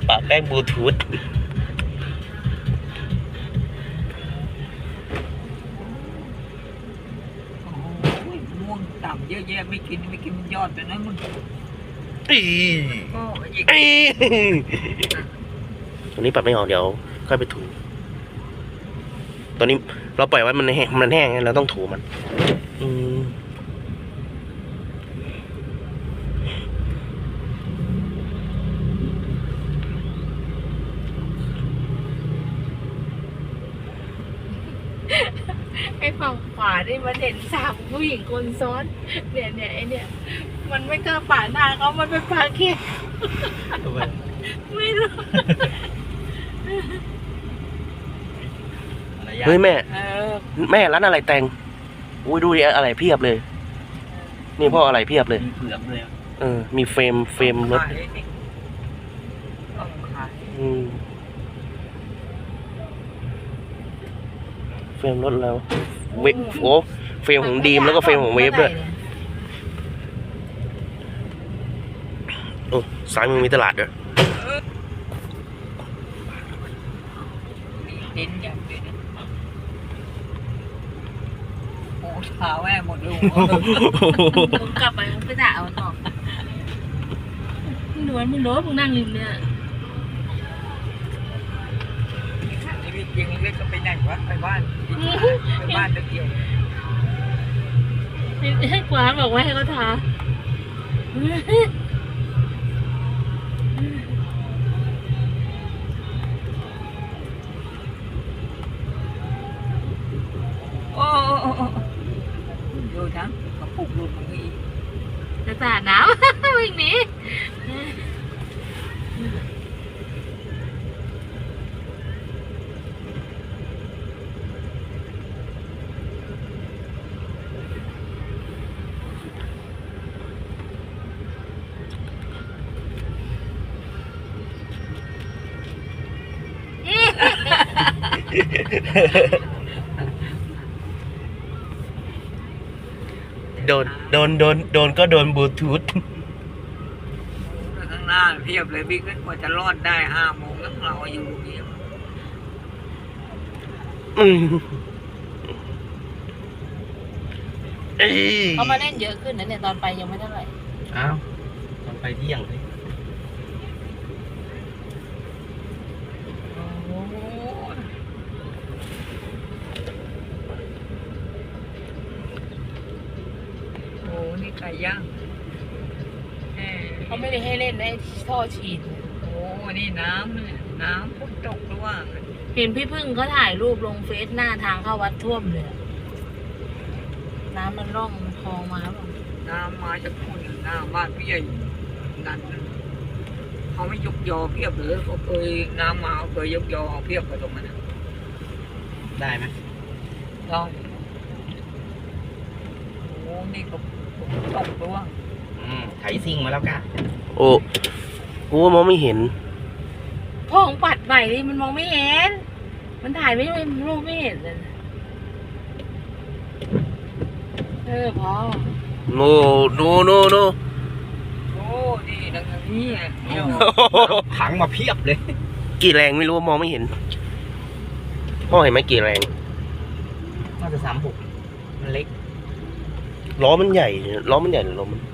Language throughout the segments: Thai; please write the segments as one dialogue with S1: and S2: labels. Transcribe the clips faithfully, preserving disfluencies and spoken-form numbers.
S1: ปะแป้งบลูทูธ
S2: ม่วงต่ำเยอะแยะไม่กินไม่กินยอดแต่นั้นมึง
S1: อีตัวนี้ปรับไม่ออกเดี๋ยวค่อยไปถูตัวนี้เราปล่อยไว้มันแห้งมันแห้งเราต้องถูมันอืม
S3: ไอ้ฝั่งขวานี่มันเห็นสามผู้หญิงคนซ้อนเนี่ยเนี่ยไอเนี่ยมันไม่กล้าป่าหน้าเขามันเป็นปลาเค็มไม่รู้
S1: เฮ้ยแม่แม่ร้านอะไรแต่งอุ้ยดูดิอะไรเพียบเลยนี่พ่ออะไรเพียบเลย
S2: มีเปลือกเลย
S1: เออมีเฟรมเฟรมรถอืมเฟรมรถแล้วเวฟโอ้เฟรมของดีมแล้วก็เฟรมของเวฟด้วยโอ้สายมือมีตลาดด้วย
S2: ดินอย่างเดียวโอ้เท้าแม่หมดเลย
S3: มึงกลับไปมึงไปด่าเอาต่อมึงโดนมึงโดนมึงนั่งริมเนี่ย
S2: ยังเล็กก็ไปไหนวะไปบ้านไปบ้านเดียว
S3: ให้กวางบอกว่าให้เขาทา
S2: โอ้ดูทั้งกระปุกหลุดตรงนี้
S3: จะสาดน้ำวิ่งหนี
S1: โดนโดนโดนโดนก็โดนบลูทูธ
S2: ข้างหน้าเพียบเลยพี่ก็กว่าจะรอดได้ห้าโมงแล้วเราอยู่ตรงนี้
S3: เขามาเล่นเยอะขึ้นนะเนี่ยตอนไปยังไม่เท่าไหร่
S1: อ้าวตอนไปเที่ยงเลย
S2: ไก่ย่าง
S3: เขาไม่ได้ให้เล่นได้ท่อฉีด
S2: โอ้นี่น้ำน้ำพุ่งตกด้วยว่า
S3: เห็นพี่พึ่งเขาถ่ายรูปลงเฟซหน้าทางเข้าวัดท่วมเลยน้ำมันร่องคลองมาแล้ว
S2: น้ำมาจากคุณหน้าบ้านพี่ใหญ่นั่นเขาไม่ยกยอเพียบเลยเขาเคยน้ำมาเคยยกยอเพียบไปตรงนั้น
S1: ได้ไหม
S2: ได้โอ้นี่ก็ตกตัว
S1: อืมไถซิ่งมาแล้วกะโอ้กูมองไม่เห็น
S3: พ่อของปัดใหม่ดิมันมองไม่เห็นมันถ่ายไม่ไม่รูปไม่เห็นเลยเออพ่อ
S1: โนโนโนโน
S2: โอ้ดีดังนี้
S1: ถังมาเพียบเลยกี่แรงไม่รู้มองไม่เห็นพ่อเห็นไหมกี่แรง
S2: น่าจะสามหกมันเล็ก
S1: ล้อมันใหญ่ล้อมันใหญ่หรือล้อมัน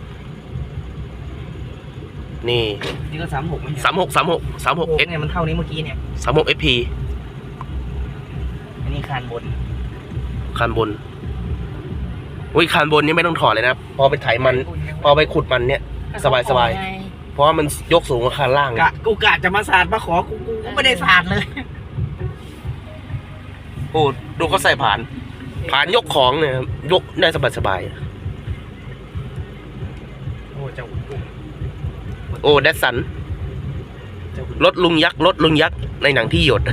S1: นี่
S2: นี่ก็สามหกไหม
S1: สามหกสามหกสามหกเอส
S2: เนี่ยมันเท่านี้เมื่อกี้เนี่ย
S1: สามหกเอฟพี
S2: อันนี้คานบน
S1: คานบนอุ้ยคานบนนี่ไม่ต้องถอดเลยนะพอไปไถมันพอไปขุดมันเนี่ยสบายสบายเพราะว่ามันยกสูงกว่าคานล่าง
S2: กะกูกะจะมาสาดมาขอกูกูไม่ได้สาดเลย
S1: โอ้ดูเขาใส่ผ่านผ่านยกของเนี่ยยกได้สบายสบาย
S2: โอ้เจ้า
S1: โอ้แดดสันรถลุงยักษ์รถลุงยักษ์ในหนังที่หยด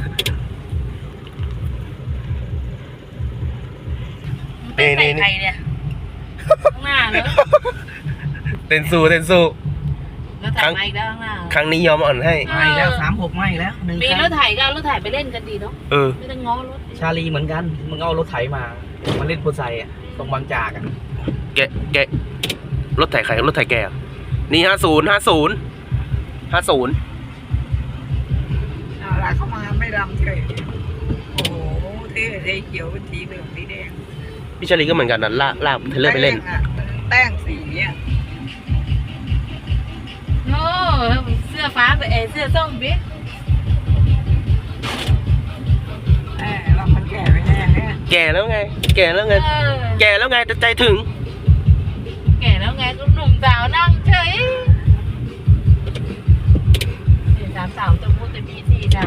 S3: นี่นี่นี่เนี่ยข้างหน้าเลย
S1: เต้นสู้เต้นสู้
S3: แล้วถ่ายมาอีกแล้วข้างหน้า
S1: ครั้งนี้ยอมอ่อนให้
S2: ไม่แล้วสามหกไม่แล้ว
S3: หนึ่งปีรถไถก็เอารถไถไปเล่นกันดีเนาะ
S1: เออ
S3: ไม่ต้องง้อรถ
S2: ชาลีเหมือนกันมึงเอารถไถมามาเล่นโพไซอ่ะตรงบางจากอ่ะ
S1: แกแกรถไถใครรถไถแกนี่ห้าศูนย์ห้าศูนย์ห้าศูนย์
S2: ดำเฉยโอ้โหเท่เท่เขียวเป็นสีเหลืองสีแดง
S1: พี่ชลีก็เหมือนกันนะลากลากเทเลอร์ไปเล่น
S2: แป้งอะแป้งสีอ่ะ
S3: โอ้เสื้อฟ้าไปเอยเสื้อส้มบิ๊ก
S2: แหมเรามันแก่ไปแน่เนี่ย
S1: แก่แล้วไง แก่แล้วไง
S3: เออ
S1: แก่แล้วไงแต่ใจถึง
S3: แก่แล้วไงก็หนุ่มสาวนั่งเฉยสี่สามสาวตัวพูดแต่มีสี่สาว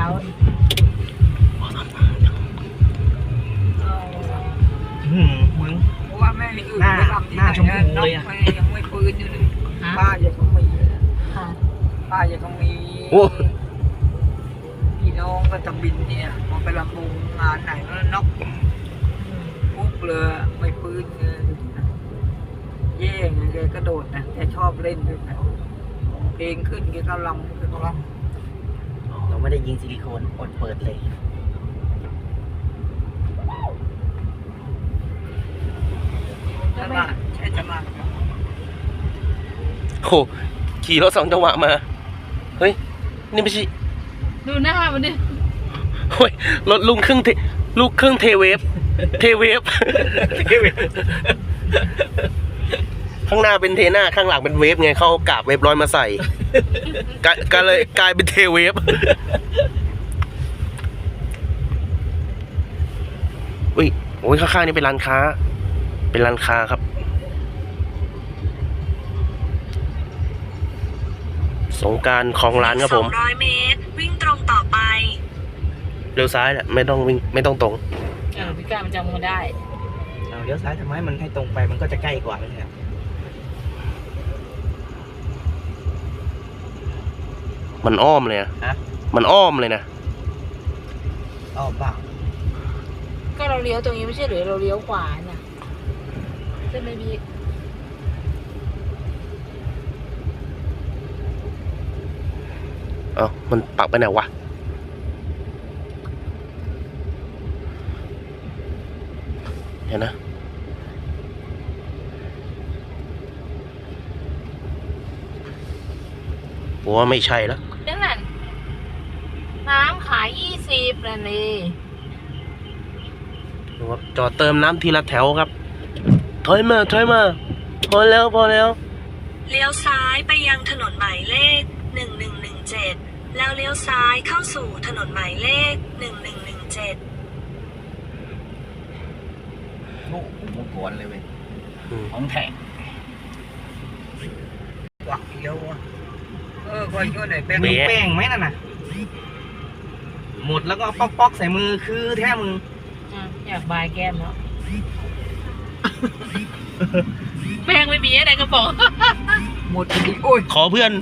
S4: หืมมึง
S2: เพราะว่าแม่อยู่
S4: หน้า
S2: ไปทำที่
S4: หน้าชม
S2: ไหน
S4: พูเลยอะ
S2: น้องแม่ยังไม่ปืนอยู่เลย
S3: ฮะ
S2: ป้ายังต้องมี
S3: ค่ะ
S2: ป้ายังต้องมี
S1: โอ้
S2: พี่น้องก็จะบินเนี่ยพอไปลำวงงานไหนก็นกปุ๊บเลยไม่ปืนเลยเย่ไงแกกระโดดนะแกชอบเล่นด้วยนะเพลงขึ้นแกก็ลำแกก็ล
S4: เราไม่ได้ยิงซิลิโคนอดเปิดเลย
S2: ำตลาดใช่ตลาดครับ
S1: โหขี่รถสองจังหวะมา เฮ้ย นี่ไม่ใช่
S3: ดูหน้ามันดิ
S1: เฮ้ยรถลุงครึ่งเทลูกครึ่งเทเวฟ เทเวฟ ข้างหน้าเป็นเทหน้าข้างหลังเป็นเวฟไงเขาเอากาบเวฟร้อยมาใส่กลายก็เลยกลายเป็นเทเวฟอุ้ยโอ้ยข้างๆนี่เป็นร้านค้า เป็นร้านค้าครับ สงกรารของร้านครับผม
S5: สองร้อยเมตร วิ่งตรงต่อไป
S1: เลี้ยวซ้ายแหละไม่ต้องวิ่งไม่ต้องตรง
S3: เออพี่ก้ามันจำมันได้
S4: เอาเลี้ยวซ้ายทำไมมันให้ตรงไปมันก็จะใกล้กว่าไม่ใช่เหรอ
S1: มันอ้อมเลยนะ
S4: ฮะ
S1: มันอ้อมเลยนะ
S4: อ้อเปล่า
S3: ก็เราเลี้ยวตรงนี้ไม่ใช่หรือเราเลี้ยวขวาน่ะใช่ไหมพี่
S1: เอ้ามันปักไปไหนวะ เห็นนะ ผมว่าไม่ใช่แล้ว
S3: นั่นน่ะน้ำขายยี่สิบนั่นเลย
S1: จอดเติมน้ำทีละแถวครับ ถอยมาถอยมา พอแล้วพอแล้ว
S5: เลี้ยวซ้ายไปยังถนนหมายเลข หนึ่งหนึ่งหนึ่งเจ็ด แล้วเลี้ยวซ้ายเข้าสู่ถนนหมายเลข หนึ่งหนึ่งหนึ่งเจ็ด
S4: โอ้ผมมกวนเลยเว้ย
S1: อืม
S4: ของแท้
S2: หวักเดียวอะเออคอยช่วยหน่อยแป้ง
S1: เบ๊ะ
S4: แป้งไหมนั่นน่ะ หมดแล้วก็ป๊อกป๊อกๆใส่มือคือแท้มือ
S3: อ่ะอยากบายแก้มเนาะ แป้งไม่มีอะไรกระป๋อง
S2: หมดอีกโอ้ย
S1: ขอเพื่อน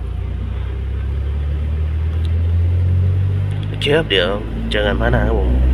S1: โอเคครับเดี๋ยวเจอกันพัฒนาครับผม